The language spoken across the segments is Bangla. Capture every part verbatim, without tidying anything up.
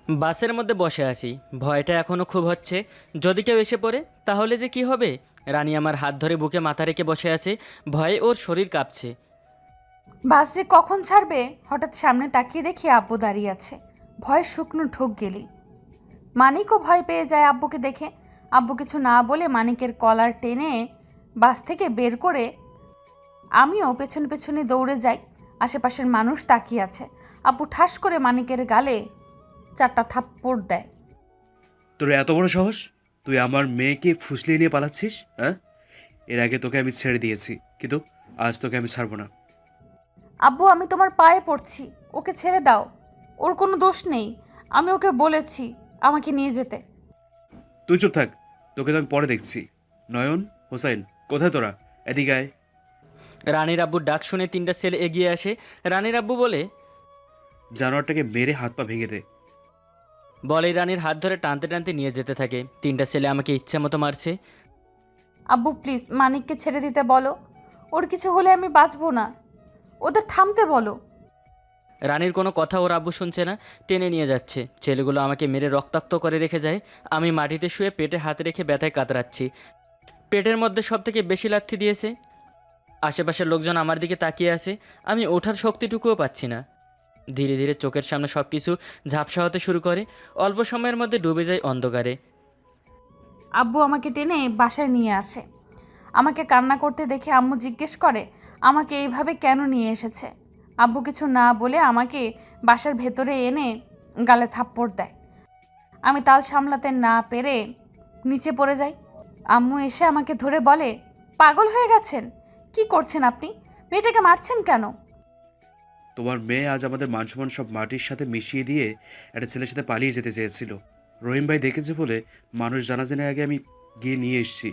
বাসের মধ্যে বসে আছি, ভয়টা এখনও খুব হচ্ছে। যদি কেউ এসে পড়ে তাহলে যে কি হবে। রানী আমার হাত ধরে বুকে মাথা রেখে বসে আছে, ভয়ে ওর শরীর কাঁপছে। বাস যে কখন ছাড়বে হঠাৎ সামনে তাকিয়ে দেখি আব্বু দাঁড়িয়ে আছে। ভয়ে শুকনো ঢোক গেলি। মানিকও ভয় পেয়ে যায় আব্বুকে দেখে। আব্বু কিছু না বলে মানিকের কলার টেনে বাস থেকে বের করে আমিও পেছনে পেছনে দৌড়ে যাই। আশেপাশের মানুষ তাকিয়ে আছে। আব্বু ঠাস করে মানিকের গালে চারটা থাপ্পড় দেয়। তোর এত বড় সাহস! তুই আমার মেয়েকে ফুসলিয়ে নিয়ে পালাচ্ছিস, হ্যাঁ? এর আগে তোকে আমি ছেড়ে দিয়েছি, কিন্তু আজ তোকে আমি ছাড়বো না। আব্বু, আমি তোমার পায়ে পড়ছি, ওকে ছেড়ে দাও। ওর কোনো দোষ নেই। আমি ওকে বলেছি আমাকে নিয়ে যেতে। তুই চুপ থাক, তোকে তো আমি পরে দেখছি। নয়ন, হোসাইন, কোথায় তোরা? এদিকে আয়। রানীর আব্বুর ডাক শুনে তিনটা ছেলে এগিয়ে আসে। রানীর আব্বু বলে জানোয়ারটাকে মেরে হাত পা ভেঙে দে। বলেই রানীর হাত ধরে টানতে টানতে নিয়ে যেতে থাকে। তিনটা ছেলে আমাকে ইচ্ছে মতো মারছে। আব্বু প্লিজ মানিককে ছেড়ে দিতে বলো। ওর কিছু হলে আমি বাঁচবো না। ওদের থামতে বলো। রানীর কোনো কথা ওর আব্বু শুনছে না, টেনে নিয়ে যাচ্ছে। ছেলেগুলো আমাকে মেরে রক্তাক্ত করে রেখে যায়। আমি মাটিতে শুয়ে পেটে হাত রেখে ব্যথায় কাতরাচ্ছি। পেটের মধ্যে সব থেকে বেশি লাথি দিয়েছে। আশেপাশের লোকজন আমার দিকে তাকিয়ে আছে। আমি ওঠার শক্তিটুকুও পাচ্ছি না। ধীরে ধীরে চোখের সামনে সব কিছু ঝাপসা হতে শুরু করে। অল্প সময়ের মধ্যে ডুবে যায় অন্ধকারে। আব্বু আমাকে টেনে বাসায় নিয়ে আসে। আমাকে কান্না করতে দেখে আম্মু জিজ্ঞেস করে আমাকে এইভাবে কেন নিয়ে এসেছে। আব্বু কিছু না বলে আমাকে বাসার ভেতরে এনে গালে থাপ্পড় দেয়। আমি তাল সামলাতে না পেরে নিচে পড়ে যাই। আম্মু এসে আমাকে ধরে বলে, পাগল হয়ে গেছেন? কি করছেন আপনি? মেয়েটাকে মারছেন কেন? তোমার মেয়ে আজ আমাদের মান সম্মান সব মাটির সাথে মিশিয়ে দিয়ে একটা ছেলের সাথে পালিয়ে যেতে চেয়েছিল। রহিম ভাই দেখেছে বলে মানুষ জানাজানের আগে আমি গিয়ে নিয়ে এসেছি।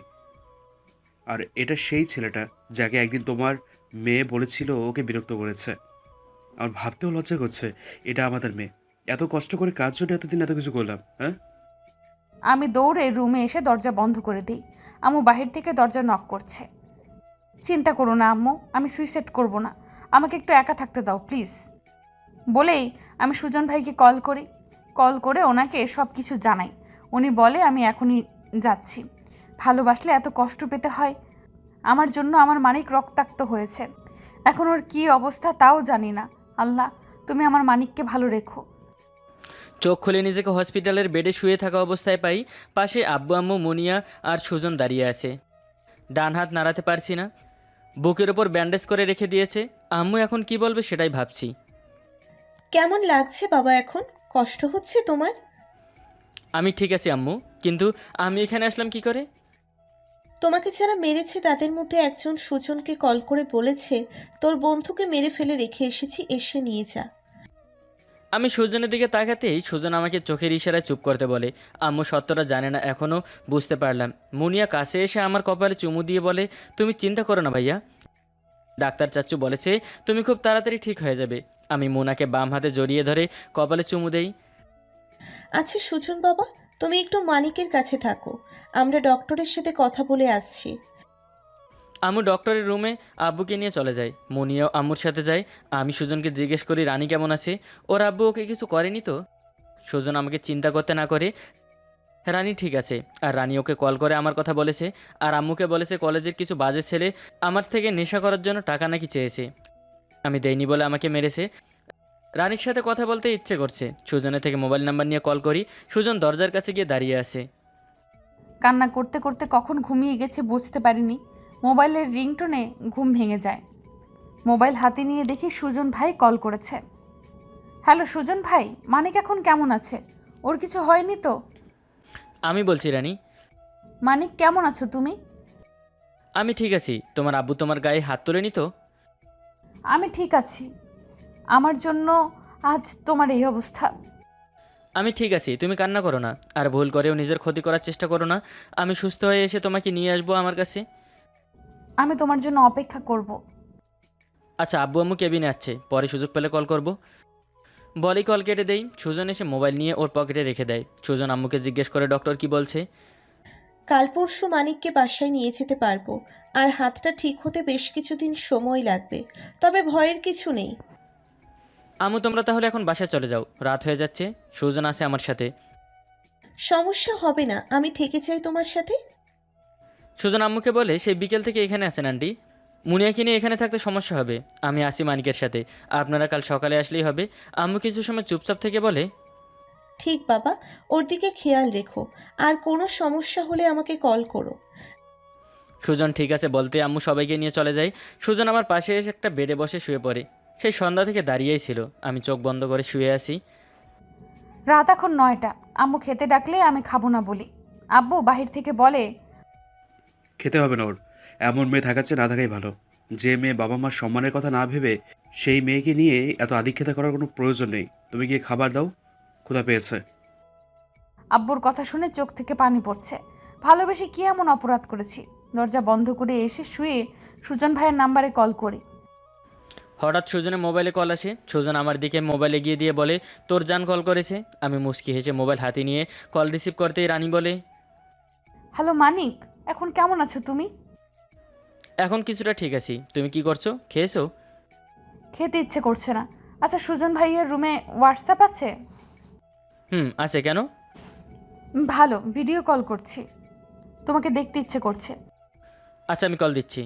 আর এটা সেই ছেলেটা যাকে একদিন তোমার মেয়ে বলেছিল ওকে বিরক্ত করেছে। আমার ভাবতেও লজ্জা করছে, এটা আমাদের মেয়ে। এত কষ্ট করে কাজ জন্য এতদিন এত কিছু করলাম, হ্যাঁ? আমি দৌড়ে রুমে এসে দরজা বন্ধ করে দিই। আম্মু বাহির থেকে দরজা নক করছে। চিন্তা করো না আম্মু, আমি সুইসাইড করব না। আমাকে একটু একা থাকতে দাও প্লিজ। বলেই আমি সুজন ভাইকে কল করি। কল করে ওনাকে সব কিছু জানাই। উনি বলে আমি এখনই যাচ্ছি। ভালোবাসলে এত কষ্ট পেতে হয়? আমার জন্য আমার মানিক রক্তাক্ত হয়েছে। এখন ওর কী অবস্থা তাও জানি না। আল্লাহ, তুমি আমার মানিককে ভালো রেখো। চোখ খুলে নিজেকে হসপিটালের বেডে শুয়ে থাকা অবস্থায় পাই। পাশে আব্বু আম্মু মুনিয়া আর সুজন দাঁড়িয়ে আছে। ডান হাত নাড়াতে পারছি না। বুকের ওপর ব্যান্ডেজ করে রেখে দিয়েছে। আম্মু এখন কি বলবে সেটাই ভাবছি। কেমন লাগছে বাবা এখন? কষ্ট হচ্ছে তোমার? আমি ঠিক আছি আম্মু, কিন্তু আমি এখানে আসলাম কি করে? তোমাকে যারা মেরেছে তাদের মধ্যে একজন সুজনকে কল করে বলেছে তোর বন্ধুকে মেরে ফেলে রেখে এসেছি, এসে নিয়ে যা। আমি সুজনের দিকে তাকাতেই সুজন আমাকে চোখের ইশারায় চুপ করতে বলে। আম্মু সত্যটা জানে না এখনও, বুঝতে পারলাম। মুনিয়া কাছে এসে আমার কপালে চুমু দিয়ে বলে, তুমি চিন্তা করো না ভাইয়া, ডাক্তার চাচ্চু বলেছে তুমি খুব তাড়াতাড়ি ঠিক হয়ে যাবে। আমি মুনাকে বাম হাতে জড়িয়ে ধরে কপালে চুমু দেই। আচ্ছা সুজন বাবা, তুমি একটু মানিকের কাছে থাকো, আমরা ডক্টরের সাথে কথা বলে আসছি। আম্মু ডক্টরের রুমে আব্বুকে নিয়ে চলে যায়। মুনিয়াও আম্মুর সাথে যায়। আমি সুজনকে জিজ্ঞেস করি রানী কেমন আছে, ওর আব্বু ওকে কিছু করেনি তো? সুজন আমাকে চিন্তা করতে না করে, রানী ঠিক আছে। আর রানী ওকে কল করে আমার কথা বলেছে। আর আম্মুকে বলেছে কলেজের কিছু বাজে ছেলে আমার থেকে নেশা করার জন্য টাকা নাকি চেয়েছে, আমি দেইনি বলে আমাকে মেরেছে। রানীর সাথে কথা বলতে ইচ্ছে করছে। সুজনের থেকে মোবাইল নাম্বার নিয়ে কল করি। সুজন দরজার কাছে গিয়ে দাঁড়িয়ে আছে। কান্না করতে করতে কখন ঘুমিয়ে গেছে বুঝতে পারিনি। মোবাইলের রিংটোনে ঘুম ভেঙে যায়। মোবাইল হাতে নিয়ে দেখি সুজন ভাই কল করেছে। হ্যালো সুজন ভাই, মানিক এখন কেমন আছে? ওর কিছু হয়নি তো? আমি বলছি রানী, মানিক কেমন আছো তুমি? আমি ঠিক আছি। তোমার আব্বু তোমার গায়ে হাত তোলেনি তো? আমি ঠিক আছি। আমার জন্য আজ তোমার এই অবস্থা। আমি ঠিক আছি, তুমি কান্না করো না। আর ভুল করেও নিজের ক্ষতি করার চেষ্টা করো না। আমি সুস্থ হয়ে এসে তোমাকে নিয়ে আসবো আমার কাছে। আমি তোমার জন্য অপেক্ষা করব। আচ্ছা, আব্বু আম্মু কেবিনে আছে, পরে সুযোগ পেলে কল করব। বলেই কল কেটে দেই। সুজন এসে মোবাইল নিয়ে ওর পকেটে রেখে দেয়। সুজন আম্মুকে জিজ্ঞেস করে ডক্টর কি বলছে। কাল পরশু মানিককে বাসায় নিয়ে যেতে পারবো, আর হাতটা ঠিক হতে বেশ কিছুদিন সময় লাগবে, তবে ভয়ের কিছু নেই। আম্মু তোমরা তাহলে এখন বাসায় চলে যাও, রাত হয়ে যাচ্ছে। সুজন আছে আমার সাথে। সমস্যা হবে না, আমি থেকে চাই তোমার সাথে। সুজন আম্মুকে বলে সেই বিকেল থেকে এখানে আছেন আন্টি। মুনিয়াকে নিয়ে এখানে থাকতে সমস্যা হবে। আমি আসি মানিকের সাথে, আপনারা কাল সকালে আসলেই হবে। আম্মু কিছু সময় চুপচাপ থেকে বলে, ঠিক বাবা, ওর দিকে খেয়াল রেখো, আর কোনো সমস্যা হলে আমাকে কল করো। সুজন ঠিক আছে বলতে আম্মু সবাইকে নিয়ে চলে যায়। সুজন আমার পাশে এসে একটা বেডে বসে শুয়ে পড়ে। সেই সন্ধ্যা থেকে দাঁড়িয়েই ছিল। আমি চোখ বন্ধ করে শুয়ে আছি। রাত এখন নয়টা। আম্মু খেতে ডাকলে আমি খাবো না বলি। আব্বু বাহির থেকে বলে, খেতে হবে না ওর, এমন মেয়ে থাকাচ্ছে না থাকাই ভালো। যে মেয়ে বাবা মার সম্মানের কথা না ভেবে সেই মেয়েকে নিয়ে এত আদিক্ষেতা করার কোনো প্রয়োজন নেই। তুমি গিয়ে খাবার দাও, ক্ষুধা পেয়েছে। আব্বুর কথা শুনে চোখ থেকে পানি পড়ছে। ভালোবেসে কি এমন অপরাধ করেছি? দরজা বন্ধ করে এসে শুয়ে সুজন ভাইয়ের নাম্বারে কল করি। হঠাৎ সুজনের মোবাইলে কল আসে। সুজন আমার দিকে মোবাইল এগিয়ে দিয়ে বলে, তোর জান কল করেছে। আমি মুচকি হেসে মোবাইল হাতে নিয়ে কল রিসিভ করতেই রানী বলে, হ্যালো মানিক, এখন কেমন আছো তুমি? এখন কিছুটা ঠিক আছি। তুমি কি করছো? খেয়েছো? খেতে ইচ্ছে করছে না। আচ্ছা সুজন ভাইয়ের রুমে হোয়াটসঅ্যাপ আছে? হুম আছে, কেন? ভালো, ভিডিও কল করছি, তোমাকে দেখতে ইচ্ছে করছে। আচ্ছা আমি কল দিচ্ছি।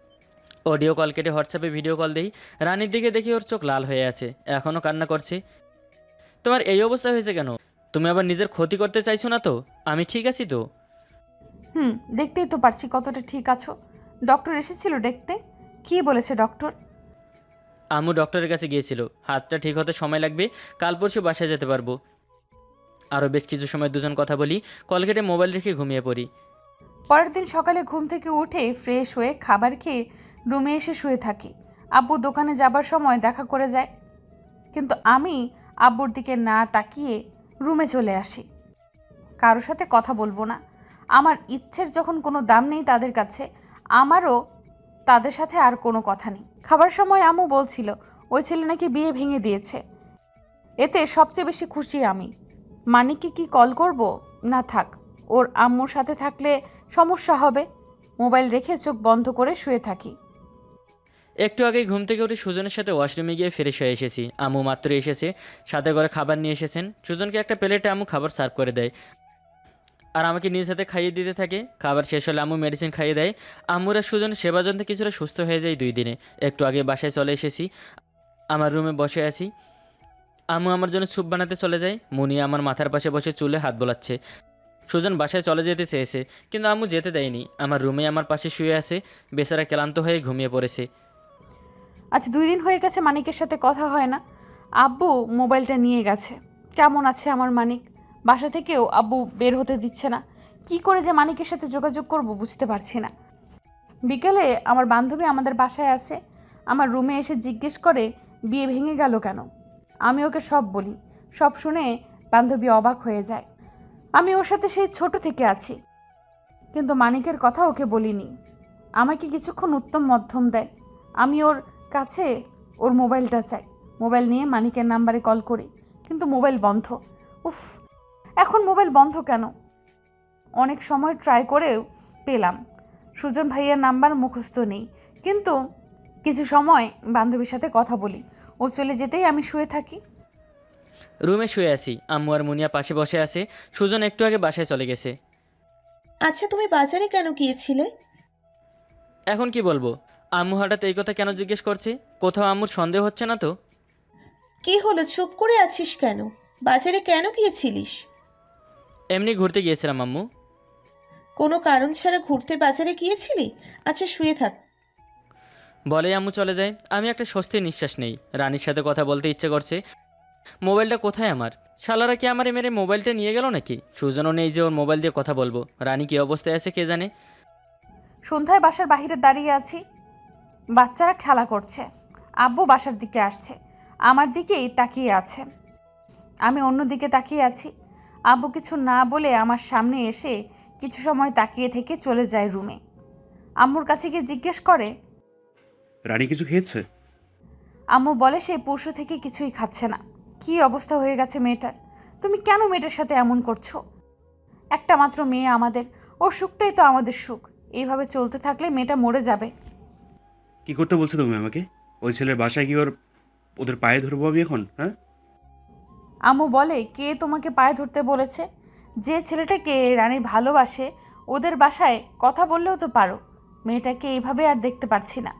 অডিও কল কেটে হোয়াটসঅ্যাপে ভিডিও কল দিই। রানীর দিকে দেখি ওর চোখ লাল হয়ে আছে, এখনও কান্না করছে। তোমার এই অবস্থা হয়েছে কেন? তুমি আবার নিজের ক্ষতি করতে চাইছো না তো? আমি ঠিক আছি তো? হুম, দেখতেই তো পারছি কতটা ঠিক আছো। ডক্টর এসেছিল দেখতে? কি বলেছে ডক্টর? আম্মু ডক্টরের কাছে গিয়েছিল, হাতটা ঠিক হতে সময় লাগবে, কাল পরশু বাসায় যেতে পারবো। আরও বেশ কিছু সময় দুজন কথা বলি, কল কেটে মোবাইল রেখে ঘুমিয়ে পড়ি। পরের দিন সকালে ঘুম থেকে উঠে ফ্রেশ হয়ে খাবার খেয়ে রুমে এসে শুয়ে থাকি। আব্বু দোকানে যাবার সময় দেখা করে যায়, কিন্তু আমি আব্বুর দিকে না তাকিয়ে রুমে চলে আসি। কারোর সাথে কথা বলবো না। আমার ইচ্ছের যখন কোনো দাম নেই তাদের কাছে, আমারও তাদের সাথে আর কোনো কথা নেই। খাবার সময় আম্মু বলছিল ওই ছেলে নাকি বিয়ে ভেঙে দিয়েছে। এতে সবচেয়ে বেশি খুশি আমি। মানিককে কি কল করব? না থাক, ওর আম্মুর সাথে থাকলে সমস্যা হবে। মোবাইল রেখে চোখ বন্ধ করে শুয়ে থাকি। একটু আগেই ঘুম থেকে উঠে সুজনের সাথে ওয়াশরুমে গিয়ে ফ্রেশ হয়ে এসেছি। আম্মু মাত্র এসেছে, সাথে করে খাবার নিয়ে এসেছেন। সুজনকে একটা প্লেটে আম্মু খাবার সার্ভ করে দেয়, আর আমাকে নিজ হাতে খাইয়ে দিতে থাকে। খাবার শেষ হলে আম্মু মেডিসিন খাইয়ে দেয়। আম্মুর আর সুজন সেবা যন্ত্রে কিছুটা সুস্থ হয়ে যায় দুই দিনে। একটু আগে বাসায় চলে এসেছি, আমার রুমে বসে আছি। আম্মু আমার জন্য স্যুপ বানাতে চলে যায়। মুনিয়া আমার মাথার পাশে বসে চুলে হাত বোলাচ্ছে। সুজন বাসায় চলে যেতে চেয়েছে, কিন্তু আম্মু যেতে দেয়নি। আমার রুমে আমার পাশে শুয়ে আছে, বেচারা ক্লান্ত হয়ে ঘুমিয়ে পড়েছে। আজ দুই দিন হয়ে গেছে মানিকের সাথে কথা হয় না। আব্বু মোবাইলটা নিয়ে গেছে। কেমন আছে আমার মানিক? বাসা থেকেও আব্বু বের হতে দিচ্ছে না। কি করে যে মানিকের সাথে যোগাযোগ করব বুঝতে পারছি না। বিকেলে আমার বান্ধবী আমাদের বাসায় আসে, আমার রুমে এসে জিজ্ঞেস করে বিয়ে ভেঙে গেল কেন। আমি ওকে সব বলি। সব শুনে বান্ধবী অবাক হয়ে যায়। আমি ওর সাথে সেই ছোট থেকে আছি, কিন্তু মানিকের কথা ওকে বলিনি। আমাকে কিছুক্ষণ উত্তম মধ্যম দেয়। আমি ওর কাছে ওর মোবাইলটা চাই। মোবাইল নিয়ে মানিকের নাম্বারে কল করি, কিন্তু মোবাইল বন্ধ। উফ, এখন মোবাইল বন্ধ কেন? অনেক সময় ট্রাই করেও পেলাম। সুজন ভাইয়ের নাম্বার মুখস্থ নেই, কিন্তু কিছু সময় বান্ধবীর সাথে কথা বলি। ও চলে যেতেই আমি শুয়ে থাকি। রুমে শুয়ে আছি, আম্মু আর মুনিয়া পাশে বসে আছে। সুজন একটু আগে বাসায় চলে গেছে। আচ্ছা, তুমি বাজারে কেন গিয়েছিলে? এখন কি বলবো? আম্মু হঠাৎ এই কথা কেন জিজ্ঞেস করছে? কোথাও আম্মুর সন্দেহ হচ্ছে না তো? কি হলো, চুপ করে আছিস কেন? বাজারে কেন গিয়েছিলিস? এমনি ঘুরতে গিয়েছিলাম আম্মু। কোনো কারণ ছাড়া ঘুরতে বাজারে গিয়েছিলি? আচ্ছা, শুয়ে থাক। বলেই আম্মু চলে যায়। আমি একটা স্বস্তির নিঃশ্বাস নেই। রানীর সাথে কথা বলতে ইচ্ছে করছে। মোবাইলটা কোথায় আমার? শালারা কি আমারে মেরে মোবাইলটা নিয়ে গেল নাকি? সুজনও নেই যে ওর মোবাইল দিয়ে কথা বলবো। রানী কী অবস্থায় আছে কে জানে। সন্ধ্যায় বাসার বাইরে দাঁড়িয়ে আছি, বাচ্চারা খেলা করছে। আব্বু বাসার দিকে আসছে, আমার দিকেই তাকিয়ে আছে। আমি অন্য দিকে তাকিয়ে আছি। আব্বু কিছু না বলে আমার সামনে এসে কিছু সময় তাকিয়ে থেকে চলে যায় রুমে। আম্মুর কাছে গিয়ে জিজ্ঞেস করে, রানী কিছু খেয়েছে? আম্মু বলে সে পরশু থেকে কিছুই খাচ্ছে না। কি অবস্থা হয়ে গেছে মেয়েটার! তুমি কেন মেয়েটার সাথে এমন করছো? একটা মাত্র মেয়ে আমাদের, ওর সুখটাই তো আমাদের সুখ। এইভাবে চলতে থাকলে মেয়েটা মরে যাবে। কি করতে বলছো তুমি আমাকে? ওই ছেলের বাসায় গিয়ে ওর ওদের পায়ে ধরবো আমি এখন? হ্যাঁ, আম্মু বলে, কে তোমাকে পায়ে ধরতে বলেছে? যে ছেলেটাকে রানী ভালোবাসে ওদের বাসায় কথা বললেও তো পারো। মেয়েটাকে এইভাবে আর দেখতে পারছি না।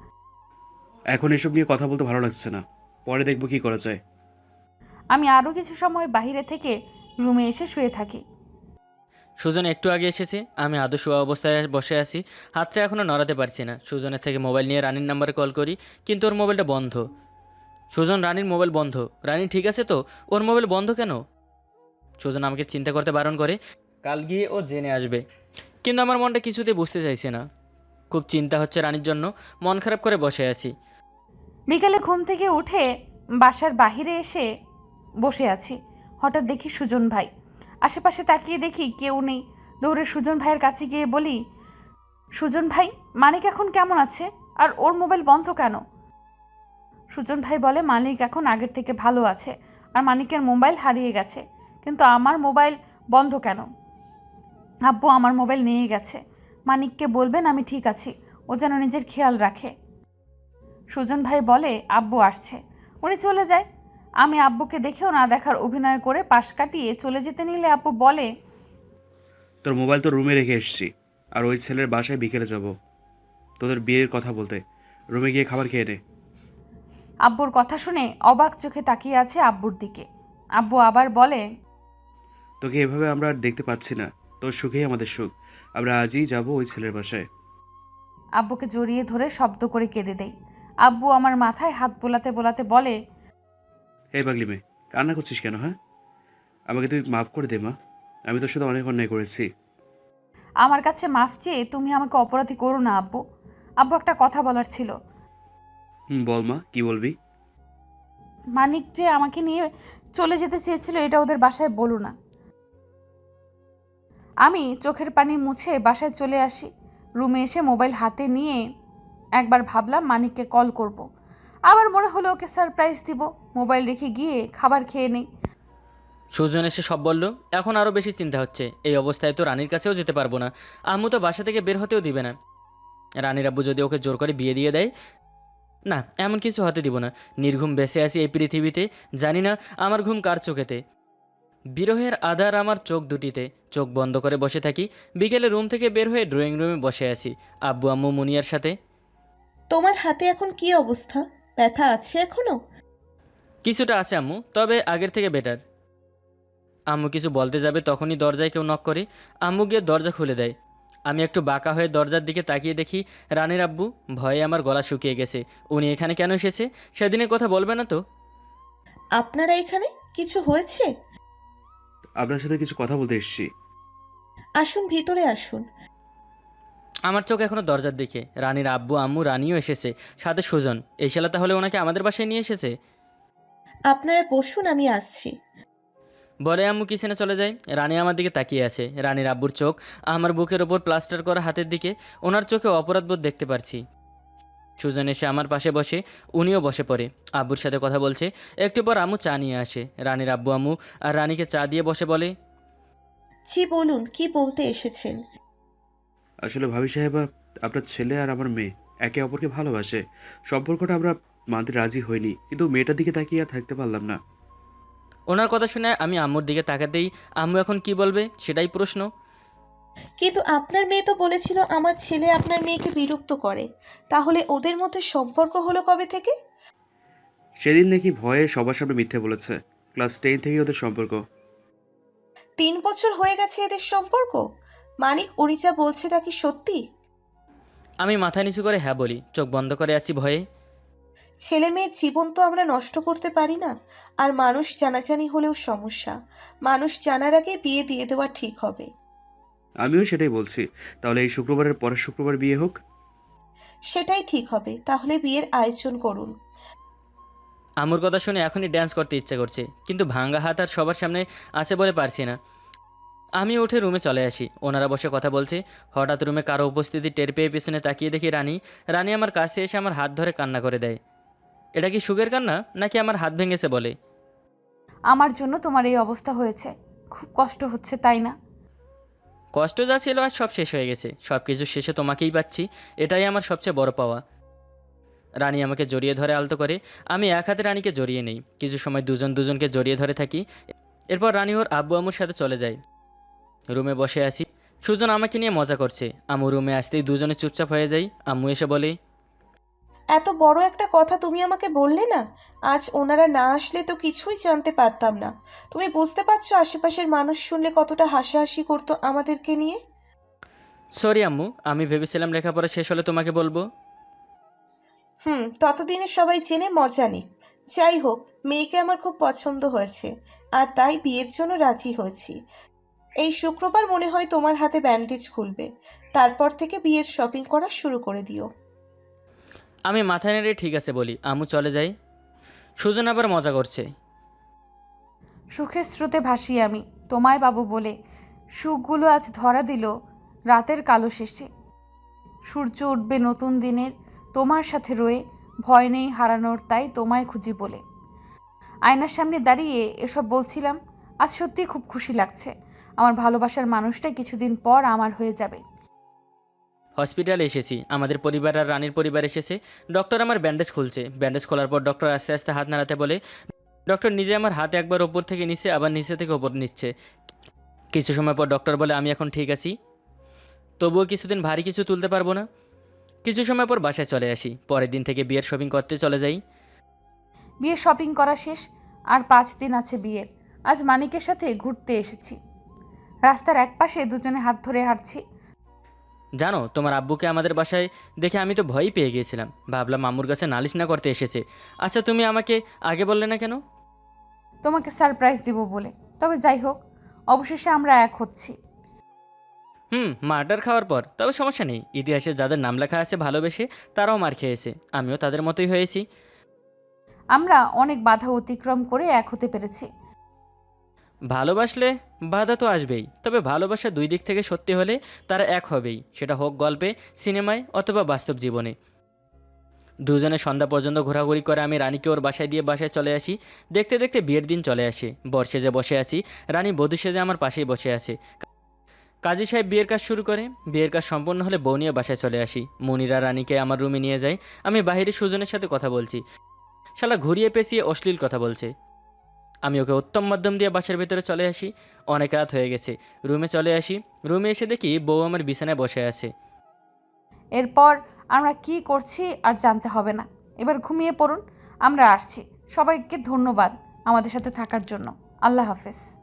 এখন এসব নিয়ে কথা বলতে ভালো লাগছে না, পরে দেখবো কি করা যায়। আমি আরও কিছু সময় বাইরে থেকে রুমে এসে শুয়ে থাকি। সুজন একটু আগে এসেছে, আমি আদৌ শোয়া অবস্থায় বসে আছি, হাতটা এখনও নড়াতে পারছি না। সুজনের থেকে মোবাইল নিয়ে রানীর নাম্বারে কল করি, কিন্তু ওর মোবাইলটা বন্ধ। সুজন, রানীর মোবাইল বন্ধ। রানী ঠিক আছে তো? ওর মোবাইল বন্ধ কেন? সুজন আমাকে চিন্তা করতে বারণ করে, কাল গিয়ে ও জেনে আসবে। কিন্তু আমার মনটা কিছুতেই বুঝতে চাইছে না। খুব চিন্তা হচ্ছে রানীর জন্য, মন খারাপ করে বসে আছি। বিকেলে ঘুম থেকে উঠে বাসার বাহিরে এসে বসে আছি। হঠাৎ দেখি সুজন ভাই। আশেপাশে তাকিয়ে দেখি কেউ নেই। দৌড়ে সুজন ভাইয়ের কাছে গিয়ে বলি, সুজন ভাই, মানিক এখন কেমন আছে? আর ওর মোবাইল বন্ধ কেন? সুজন ভাই বলে, মানিক এখন আগের থেকে ভালো আছে, আর মানিকের মোবাইল হারিয়ে গেছে। কিন্তু আমার মোবাইল বন্ধ কেন? আব্বু আমার মোবাইল নিয়ে গেছে। মানিককে বলবেন আমি ঠিক আছি, ও যেন নিজের খেয়াল রাখে। সুজন ভাই বলে, আব্বু আসছে। উনি চলে যায়। আমি আব্বুকে দেখেও না দেখার অভিনয় করে পাশ কাটিয়ে চলে যেতে নিলে আব্বু বলে, তোর মোবাইল তো রুমে রেখে এসেছি, আর ওই ছেলের বাসায় বিকেলে যাব তোদের বিয়ের কথা বলতে। রুমে গিয়ে খাবার খেয়ে নে। আব্বুর কথা শুনে অবাক চোখে তাকিয়ে আছে আব্বুর দিকে। আব্বু আবার বলে, তোকে এভাবে আমরা আর দেখতে পাচ্ছি না, তোর সুখেই আমাদের সুখ। আমরা আজই যাব ওই ছেলের বাসায়। আব্বুকে জড়িয়ে ধরে শব্দ করে কেঁদে দেই। আব্বু আমার মাথায় হাত বোলাতে বোলাতে বলে, হে পাগলি মেয়ে, কান্না করছিস কেন? হ্যাঁ, আমাকে তুই মাফ করে দে মা, আমি তোর সাথে অনেক অন্যায় করেছি। আমার কাছে মাফ চেয়ে তুমি আমাকে অপরাধী করো না আব্বু। আব্বু, একটা কথা বলার ছিল। হুম, বল মা, কি বলবি? মানিক যে আমাকে নিয়ে চলে যেতে চেয়েছিল এটা ওদের বাসায় বলো না। আমি চোখের পানি মুছে বাসায় চলে আসি। রুমে এসে মোবাইল হাতে নিয়ে একবার ভাবলাম মানিককে কল করব। আবার মনে হলো ওকে সারপ্রাইজ দিব। মোবাইল রেখে গিয়ে খাবার খেয়ে নেই। সুজন এসে সব বলল। এখন আরও বেশি চিন্তা হচ্ছে, এই অবস্থায় তো রানীর কাছেও যেতে পারবো না। আম্মু তো বাসা থেকে বের হতেও দিবে না। রানীর আব্বু যদি ওকে জোর করে বিয়ে দিয়ে দেয়, না, এমন কিছু হতে দিব না। নির্ঘুম বেঁচে আছি এই পৃথিবীতে, জানি না আমার ঘুম কার চোখেতে। বিরহের আধার আমার চোখ দুটিতে, চোখ বন্ধ করে বসে থাকি। বিকেলে রুম থেকে বের হয়ে ড্রয়িং রুমে বসে আছি আব্বু আম্মু মুনিয়ার সাথে। তোমার হাতে এখন কি অবস্থা? ব্যথা আছে এখনো? কিছুটা আছে আম্মু, তবে আগের থেকে বেটার। আম্মু কিছু বলতে যাবে তখনই দরজায় কেউ নক করে। আম্মু গিয়ে দরজা খুলে দেয়। আমি একটু বাঁকা হয়ে দরজার দিকে তাকিয়ে দেখি রানীর আব্বু। ভয়ে আমার গলা শুকিয়ে গেছে। উনি এখানে কেন এসেছে? সেদিনের কথা বলবে না তো? আপনারা এখানে? কিছু হয়েছে? আপনার সাথে কিছু কথা বলতে এসেছি। আসুন, ভিতরে আসুন। আমার চোখ এখনো দরজার দিকে। রানীর আব্বু আম্মু রানীও এসেছে, সাথে সুজন। এই শালা তাহলে ওনাকে আমাদের বাসায় নিয়ে এসেছে। আপনারা বসুন, আমি আসছি। বলে আম্মু কিচেনে চলে যায়। রানী আমার দিকে তাকিয়ে আছে। রানীর আব্বুর চোখ আমার বুকের ওপর প্লাস্টার করা হাতের দিকে। ওনার চোখে অপরাধবোধ দেখতে পারছি। সুজন এসে আমার পাশে বসে, উনিও বসে পড়ে। আব্বুর সাথে কথা বলছে। একটু পর আম্মু চা নিয়ে আসে। রানীর আব্বু আম্মু আর রানীকে চা দিয়ে বসে বলে, জি বলুন, কি বলতে এসেছেন? আসলে ভাবি সাহেবা, আপনার ছেলে আর আমার মেয়ে একে অপরকে ভালোবাসে। সম্পর্কটা আমরা মানতে রাজি হইনি, কিন্তু মেয়েটার দিকে তাকিয়ে আর থাকতে পারলাম না। ওনার কথা শুনে আমি আম্মুর দিকে তাকাতেই আম্মু এখন কি বলবে সেটাই প্রশ্ন। কিন্তু আপনার মেয়ে তো বলেছিল আমার ছেলে আপনার মেয়েকে বিরক্ত করে। তাহলে ওদের মধ্যে সম্পর্ক হলো কবে থেকে? সেদিন নাকি ভয়ে সবার সামনে মিথ্যে বলেছে। ক্লাস টেন থেকেই ওদের সম্পর্ক। তিন বছর হয়ে গেছে এদের সম্পর্ক? মানিক, উনি যা বলছে তা কি সত্যি? আমি মাথা নিচু করে হ্যাঁ বলি, চোখ বন্ধ করে আছি ভয়ে। ছেলে মেয়ের জীবন তো আমরা নষ্ট করতে পারি না। আর মানুষ জানাজানি হলেও সমস্যা। মানুষ জানার আগে বিয়ে দিয়ে দেওয়া ঠিক হবে। আমিও সেটাই বলছি। তাহলে এই শুক্রবারের পরের শুক্রবার বিয়ে হোক। সেটাই ঠিক হবে। তাহলে বিয়ের আয়োজন করুন। আম্মুর কথা শুনে এখনই ড্যান্স করতে ইচ্ছে করছে, কিন্তু ভাঙ্গা হাত আর সবার সামনে আছে বলে পারছি না। আমি উঠে রুমে চলে আসি। ওনারা বসে কথা বলছে। হঠাৎ রুমে কারো উপস্থিতি টের পেয়ে পেছনে তাকিয়ে দেখি রানী। রানী আমার কাছে এসে আমার হাত ধরে কান্না করে দেয়। এটা কি সুখের কান্না, নাকি আমার হাত ভেঙেছে বলে? আমার জন্য তোমার এই অবস্থা হয়েছে, খুব কষ্ট হচ্ছে তাই না? কষ্ট যা ছিল আর সব শেষ হয়ে গেছে। সব কিছু শেষে তোমাকেই পাচ্ছি, এটাই আমার সবচেয়ে বড় পাওয়া। রানী আমাকে জড়িয়ে ধরে আলতো করে। আমি এক হাতে রানীকে জড়িয়ে নেই। কিছু সময় দুজন দুজনকে জড়িয়ে ধরে থাকি। এরপর রানী ওর আব্বু আম্মুর সাথে চলে যায়। রুমে বসে আছি। সুজন আমাকে নিয়ে মজা করছে। আম্মু রুমে আসতেই দুজনে চুপচাপ হয়ে যাই। আম্মু এসে বলে, এত বড় একটা কথা তুমি আমাকে বললে না। আজ ওনারা না আসলে তো কিছুই জানতে পারতাম না। তুমি বুঝতে পারছো আশেপাশের মানুষ শুনলে কতটা হাসাহাসি করতো আমাদেরকে নিয়ে। সরি আম্মু, আমি ভেবেছিলাম লেখাপড়া শেষ হলে তোমাকে বলবো। হুম, ততদিনে সবাই জেনে মজা নিক। যাই হোক, মেয়েকে আমার খুব পছন্দ হয়েছে, আর তাই বিয়ের জন্য রাজি হয়েছি। এই শুক্রবার মনে হয় তোমার হাতে ব্যান্ডেজ খুলবে। তারপর থেকে বিয়ের শপিং করা শুরু করে দিও। আমি মাথা নেড়ে ঠিক আছে বলি। আম্মু চলে যাই। সুজন আবার মজা করছে। সুখের স্রোতে ভাসি আমি তোমায় বাবু বলে। সুখগুলো আজ ধরা দিল রাতের কালো শেষে। সূর্য উঠবে নতুন দিনের তোমার সাথে রয়ে। ভয় নেই হারানোর, তাই তোমায় খুঁজি বলে। আয়নার সামনে দাঁড়িয়ে এসব বলছিলাম। আজ সত্যিই খুব খুশি লাগছে। আমার ভালোবাসার মানুষটা কিছুদিন পর আমার হয়ে যাবে। হসপিটালে এসেছি। আমাদের পরিবার আর রানীর পরিবার এসেছে। ডক্টর আমার ব্যান্ডেজ খুলছে। ব্যান্ডেজ খোলার পর ডক্টর আস্তে আস্তে হাত নাড়াতে বলে। ডক্টর নিজে আমার হাত একবার ওপর থেকে নিচ্ছে, আবার নিচে থেকে ওপর নিচ্ছে। কিছু সময় পর ডক্টর বলে আমি এখন ঠিক আছি, তবুও কিছুদিন ভারী কিছু তুলতে পারবো না। কিছু সময় পর বাসায় চলে আসি। পরের দিন থেকে বিয়ের শপিং করতে চলে যাই। বিয়ের শপিং করা শেষ। আর পাঁচ দিন আছে বিয়ের। আজ মানিকের সাথে ঘুরতে এসেছি। রাস্তার একপাশে দুজনে হাত ধরে হাঁটছি। জানো, তোমার আব্বুকে আমাদের বাসায় দেখে আমি তো ভয়ই পেয়ে গিয়েছিলাম। ভাবলাম মামুর কাছে নালিশ না করতে এসেছে। আচ্ছা, তুমি আমাকে আগে বললে না কেন? তোমাকে সারপ্রাইজ দিব বলে। তবে যাই হোক, অবশেষে আমরা এক হচ্ছি। হুম, মার্ডার খাওয়ার পর। তবে সমস্যা নেই, ইতিহাসে যাদের নাম লেখা আছে ভালোবেসে, তারাও মার খেয়েছে। আমিও তাদের মতোই হয়েছি। আমরা অনেক বাধা অতিক্রম করে এক হতে পেরেছি। ভালোবাসলে বাধা তো আসবেই, তবে ভালোবাসা দুই দিক থেকে সত্যি হলে তারা এক হবেই, সেটা হোক গল্পে, সিনেমায় অথবা বাস্তব জীবনে। দুজনে সন্ধ্যা পর্যন্ত ঘোরাঘুরি করে আমি রানীকে ওর বাসায় দিয়ে বাসায় চলে আসি। দেখতে দেখতে বিয়ের দিন চলে আসে। বর সেজে বসে আছি, রানী বধূ সেজে আমার পাশেই বসে আছে। কাজী সাহেব বিয়ের কাজ শুরু করে। বিয়ের কাজ সম্পন্ন হলে বউ নিয়ে বাসায় চলে আসি। মনিরা রানীকে আমার রুমে নিয়ে যায়। আমি বাইরে সুজনের সাথে কথা বলছি। শালা ঘুরিয়ে পেঁচিয়ে অশ্লীল কথা বলছে। আমি ওকে উত্তম মাধ্যম দিয়ে বাসার ভেতরে চলে আসি। অনেক রাত হয়ে গেছে। রুমে চলে আসি। রুমে এসে দেখি বউ আমার বিছানায় বসে আছে। এরপর আমরা কি করছি আর জানতে হবে না। এবার ঘুমিয়ে পড়ুন, আমরা আসছি। সবাইকে ধন্যবাদ আমাদের সাথে থাকার জন্য। আল্লাহ হাফেজ।